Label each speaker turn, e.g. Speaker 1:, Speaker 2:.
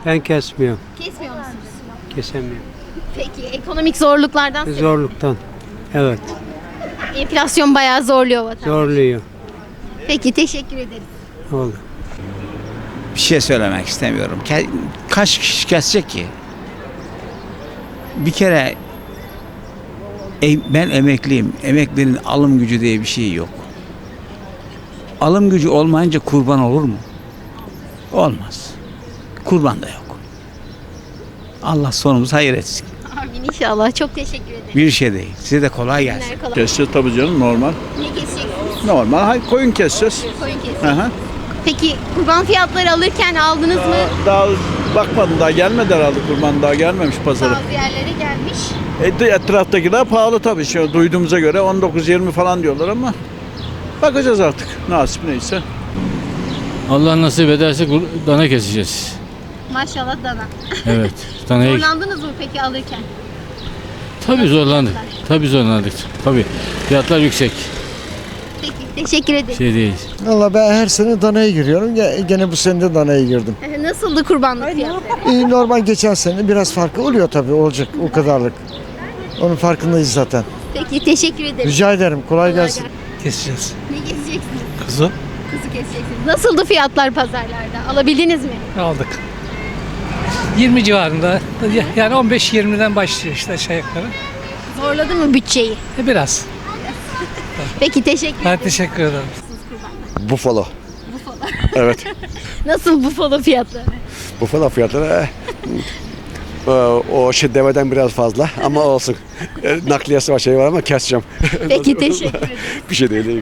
Speaker 1: Ben kesmiyorum.
Speaker 2: Kesmiyor musunuz?
Speaker 1: Kesemiyorum.
Speaker 2: Peki ekonomik zorluklardan sebep?
Speaker 1: Zorluktan. Evet.
Speaker 2: Enflasyon bayağı zorluyor vatandaşı.
Speaker 1: Zorluyor.
Speaker 2: Peki teşekkür ederiz.
Speaker 1: Oldu.
Speaker 3: Bir şey söylemek istemiyorum. Kaç kişi kesecek ki? Bir kere ben emekliyim. Emeklinin alım gücü diye bir şey yok. Alım gücü olmayınca kurban olur mu? Olmaz. Kurban da yok. Allah sonumuzu hayır etsin.
Speaker 2: Amin inşallah. Çok teşekkür ederim.
Speaker 3: Bir şey değil. Size de kolay gelsin.
Speaker 2: Günler kolay.
Speaker 4: Keseceğiz tabii canım normal.
Speaker 2: Ne keseceksiniz?
Speaker 4: Normal koyun keseceğiz.
Speaker 2: Koyun keseceksiniz.
Speaker 4: Hı hı.
Speaker 2: Peki kurban fiyatları alırken aldınız mı?
Speaker 4: Daha bakmadım daha gelmedi herhalde kurban daha gelmemiş pazara.
Speaker 2: Bazı yerlere gelmiş.
Speaker 4: Etraftakiler pahalı tabii. Şu duyduğumuza göre 19-20 falan diyorlar ama bakacağız artık nasip neyse.
Speaker 5: Allah nasip ederse dana keseceğiz.
Speaker 2: Maşallah dana.
Speaker 5: Evet. Danayı
Speaker 2: Zorlandınız mı peki alırken?
Speaker 5: tabii zorlandık. Tabii zorlandık. Tabii. Fiyatlar yüksek.
Speaker 2: Peki teşekkür ederim.
Speaker 5: Şey değil.
Speaker 6: Valla ben her sene danaya giriyorum. Gene bu sene de danaya girdim.
Speaker 2: Nasıldı kurbanlık fiyatları?
Speaker 6: Normal geçen sene biraz farkı oluyor tabii, olacak o kadarlık. Onun farkındayız zaten.
Speaker 2: Peki teşekkür ederim.
Speaker 6: Rica ederim, kolay
Speaker 2: Kolay
Speaker 6: gelsin.
Speaker 1: Keseceğiz.
Speaker 2: Ne keseceksiniz?
Speaker 1: Kuzu
Speaker 2: Kuzu keseceksiniz. Nasıldı fiyatlar pazarlarda? Alabildiniz mi?
Speaker 1: aldık. 20 civarında. Yani 15-20'den başlıyor işte aşağı yukarı.
Speaker 2: Zorladı mı bütçeyi?
Speaker 1: Biraz.
Speaker 2: Peki teşekkür ederim.
Speaker 1: Teşekkür ederim.
Speaker 7: Buffalo. Evet.
Speaker 2: Nasıl bufalo fiyatları?
Speaker 7: Buffalo fiyatları o şey deveden biraz fazla ama olsun. Nakliyesi var şey var ama keseceğim.
Speaker 2: Peki teşekkür ederim.
Speaker 7: Bir şey değil.